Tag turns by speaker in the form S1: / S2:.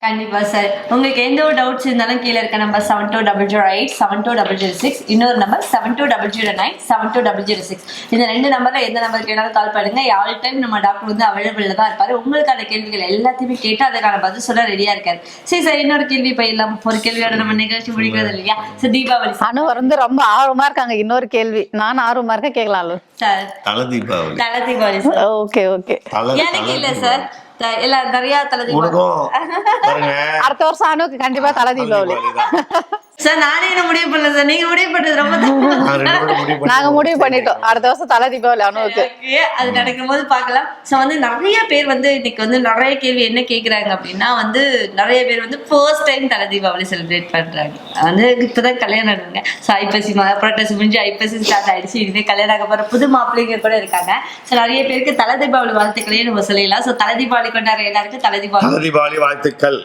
S1: கண்டிப்பா சார். உங்களுக்கு எந்த ஒரு டவுட்ஸ் இருந்தாலும் கீழ இருக்க நம்பர் 720087 72006 இன்னொரு நம்பர் 720097 72006 இந்த 2 நம்பர்ல எந்த நம்பருக்கு வேணாலும் கால் பண்ணுங்க. ஆல் டைம் நம்ம டாக்டர் வந்து அவைலபிள்ல தான் இருப்பாரு. உங்களுக்கான கேள்விகள் எல்லாத்தையுமே கேட்டு அதுக்கான பதில் சொல்ல ரெடியா இருக்காரு. சரி சார், இன்னொரு கேள்வி போயிடலாம். ஒரு கேள்வியோட நம்ம நிகழ்ச்சி முடிக்கிறது இல்லையா? சார், தீபாவளி
S2: அனு வந்து ரொம்ப ஆர்வமா இருக்காங்க. இன்னொரு கேள்வி நான் ஆர்வமா இருக்க கேட்கலாம்
S1: சார்.
S3: தல தீபாவளி.
S1: தல தீபாவளி சார்.
S2: Okay okay.
S1: எனக்கு இல்ல சார், எல்லாம் நிறைய தல தீபாவளி.
S2: அடுத்த வருஷம் அனுக்கு கண்டிப்பா தல தீபாவளி
S1: சார். நானே என்ன முடிவு பண்ணல சார், நீங்க முடிவு பண்றது ரொம்ப
S2: நாங்க முடிவு பண்ணிட்டோம். அடுத்த வருஷம் தல தீபாவளி அனுவுக்கு.
S1: அது நடக்கும் போது பாக்கலாம். சோ வந்து நிறைய பேர் வந்து இன்னைக்கு வந்து நிறைய கேள்வி என்ன கேக்குறாங்க அப்படின்னா வந்து நிறைய பேர் வந்து ஃபர்ஸ்ட் டைம் தல தீபாவளி செலிப்ரேட் பண்றாங்க. வந்து இப்பதான் கல்யாணம் ஆடுவாங்க. ஸோ ஐப்பசி புரட்டாசி முடிஞ்சு ஐப்பசி ஸ்டார்ட் ஆயிடுச்சு. இதுவே கல்யாணம் ஆக போற புது மாப்பிள்ளைங்க கூட இருக்காங்க. ஸோ நிறைய பேருக்கு தல தீபாவளி வாழ்த்துக்களையும் நம்ம சொல்லலாம். ஸோ தல தீபாவளி கொண்டாடுற எல்லாருக்கும் தல தீபாவளி
S3: வாழ்த்துக்கள்.